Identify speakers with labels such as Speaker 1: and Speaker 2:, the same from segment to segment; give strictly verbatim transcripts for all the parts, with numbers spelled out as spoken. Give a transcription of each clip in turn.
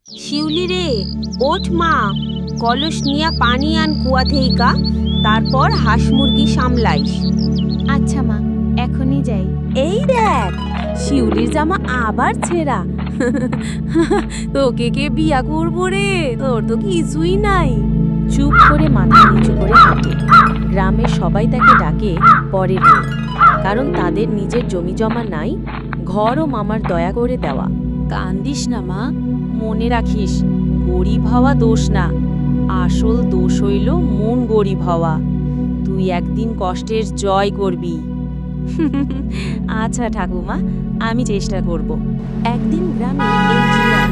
Speaker 1: শিউলি রে, ওঠ মা, কলস নিয়া পানি আন কুয়া থেইকা, তারপর হাঁস মুরগি সামলাইস।
Speaker 2: আচ্ছা মা, এখনই যাই।
Speaker 3: এই দেখ, শিউলির জামা আবার ছেঁড়া। তোকে কে বিয়া করবো রে? তোর তো কিছুই নাই। চুপ করে মাথা নিচু করে হাঁটে। গ্রামের সবাই তাকে ডাকে পরের মেয়ে, কারণ তাদের নিজের জমি জমা নাই, ঘর ও মামার দয়া করে দেওয়া। কান্দিস না মা, মনে রাখিস, গরিব হওয়া দোষ না, আসল দোষ হইল মন গরিব হওয়া। তুই একদিন কষ্টের জয় করবি। আচ্ছা ঠাকুমা, আমি চেষ্টা করব। একদিন গ্রামে ইঞ্জিনিয়ার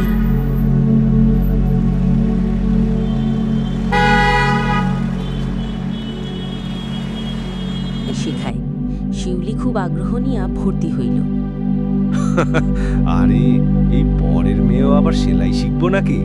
Speaker 3: শেখায়। শিউলি খুব আগ্রহ নিয়ে ভর্তি হইল।
Speaker 4: আরে, এই পরের মেয়েও আবার সেলাই শিখবো নাকি?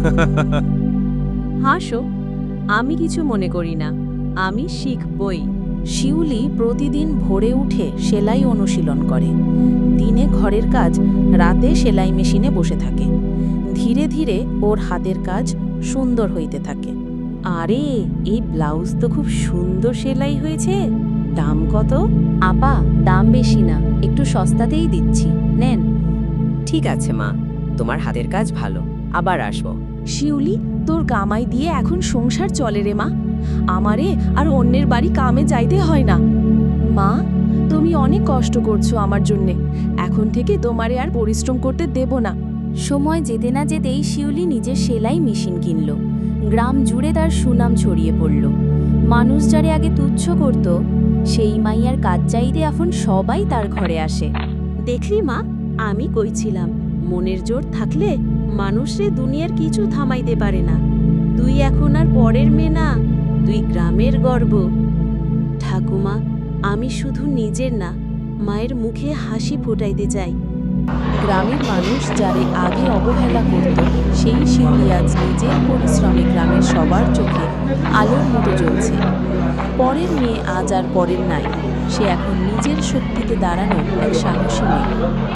Speaker 3: হাসো, আমি কিছু মনে করি না, আমি শিখবই। শিউলি প্রতিদিন ভোরে উঠে সেলাই অনুশীলন করে। দিনে ঘরের কাজ, রাতে সেলাই মেশিনে বসে থাকে। ধীরে ধীরে ওর হাতের কাজ সুন্দর হইতে থাকে। আরে, এই ব্লাউজ তো খুব সুন্দর সেলাই হয়েছে। দাম কত?
Speaker 2: আপা, দাম বেশি না, একটু সস্তাতেই দিচ্ছি, নেন।
Speaker 5: ঠিক আছে মা, তোমার হাতের কাজ ভালো, আবার আসবো।
Speaker 3: শিউলি, তোর কামাই দিয়ে এখন সংসার চলে রে মা। আমারে আর অন্যের বাড়ি কামে যাইতে হয় না। মা, তুমি অনেক কষ্ট করছো আমার জন্যে, এখন থেকে তোমারে আর পরিশ্রম করতে দেব না।
Speaker 2: সময় যেতে না যেতেই শিউলি নিজের সেলাই মেশিন কিনল। গ্রাম জুড়ে তার সুনাম ছড়িয়ে পড়ল। মানুষ যারে আগে তুচ্ছ করত, সেই মাইয়ার কাজ চাইতে এখন সবাই তার ঘরে আসে।
Speaker 3: দেখলি মা, আমি কইছিলাম, মনের জোর থাকলে মানুষরে দুনিয়ার কিছু থামাইতে পারে না। তুই এখন আর পরের মেয়ে না, তুই গ্রামের গর্ব। ঠাকুমা, আমি শুধু নিজের না, মায়ের মুখে হাসি ফোটাইতে চাই। গ্রামের মানুষ যারে আগে অবহেলা করত, সেই শিউলি আজ নিজের পরিশ্রমে গ্রামের সবার চোখে আলোর মতো জ্বলছে। পরের মেয়ে আজ আর পরের নাই, সে এখন নিজের শক্তিতে দাঁড়ানো এক সাহসী মেয়ে।